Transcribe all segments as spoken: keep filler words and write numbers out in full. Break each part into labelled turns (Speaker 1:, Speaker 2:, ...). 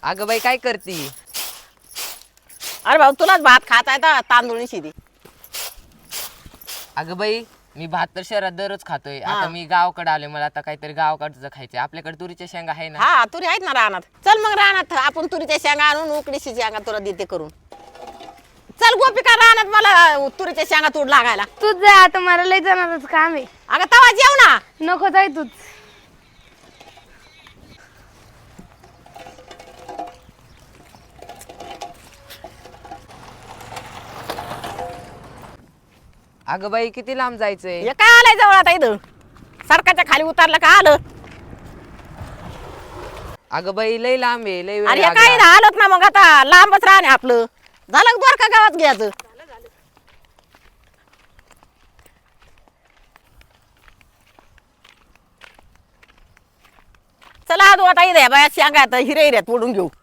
Speaker 1: अगं बाई काय करती?
Speaker 2: अरे भाऊ तुलाच भात खाता येतं तांदूळ शिदी.
Speaker 1: अगं बाई मी भात तर शहरात दररोज खातोय.
Speaker 2: हा.
Speaker 1: आता मी गावाकडे आलोय, मला आता काहीतरी गावाकडचं खायचंय. आपल्याकडे तुरीच्या शेंगा आहे ना?
Speaker 2: हा तुरी आहेत ना रानात. चल मग रानात आपण तुरीच्या शेंगा आणून उकडीची शेंगा तुला देते करून. चल गोपिका रानात मला तुरीच्या शेंगा तोड लागायला.
Speaker 3: तूच जा आता, मला लय जाणारच काम आहे.
Speaker 2: अगं तवा जेव ना.
Speaker 3: नको जाय तूच.
Speaker 1: अगं बाई किती लांब जायचंय?
Speaker 2: हे काय आलंय जवळ आता इथं? सडकाच्या खाली उतरलं का आलं?
Speaker 1: अगं बाई लय लांब आहे, लय वेळ
Speaker 2: अरे हे काय
Speaker 1: लागला.
Speaker 2: आलत ना मग आता लांबच राहणे आपलं. झालं द्वार का गावात घ्यायचं? चला आदू आता इथे बाया शेंगा आता हिरे हिऱ्यात ओढून घेऊ.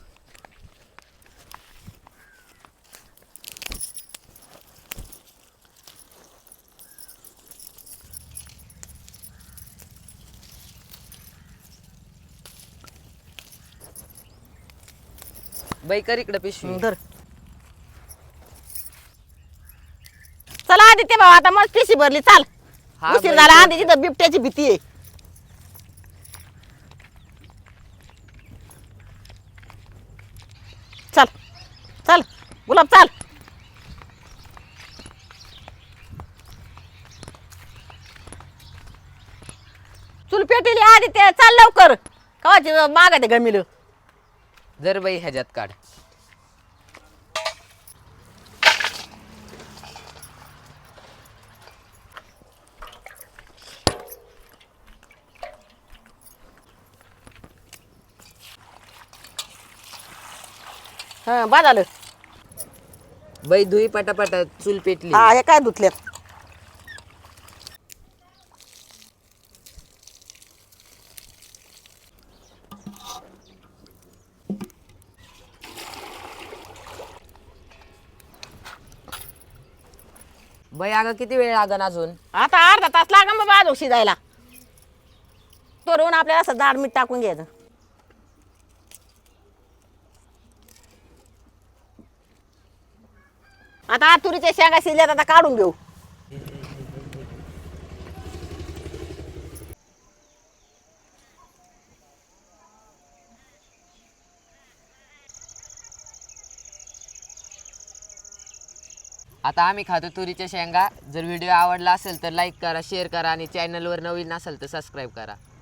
Speaker 1: बाई कर इकडे पिशवी.
Speaker 2: धर. चला आदित्य भाऊ आता मस्त पिशी भरली चाल.
Speaker 1: हा
Speaker 2: उशीर
Speaker 1: बाई,
Speaker 2: झाला
Speaker 1: कर.
Speaker 2: आधी तिथं बिबट्याची भीती आहे. चल चल गुलाब चाल. चुल पेटेली आदित्य चाल लवकर. कवाची मागा ते गमिल.
Speaker 1: जर बाई ह्याच्यात काढ.
Speaker 2: हा बा झालं.
Speaker 1: बाई धुई पटापटा, चूल पेटली.
Speaker 2: हा हे काय धुतल्यात?
Speaker 1: बाई अगं किती वेळ लागन अजून?
Speaker 2: आता अर्धा तास लागेल बाबा आजो शिजायला. तो रोवून आपल्याला असं दाड मीठ टाकून घ्यायचं. आता तुरीच्या शेंगा शिजल्यात आता काढून घेऊ.
Speaker 1: आता आम्ही खातो तुरीच्या शेंगा. जर व्हिडिओ आवडला असेल तर लाईक करा, शेअर करा आणि चॅनलवर नवीन असेल तर सबस्क्राईब करा.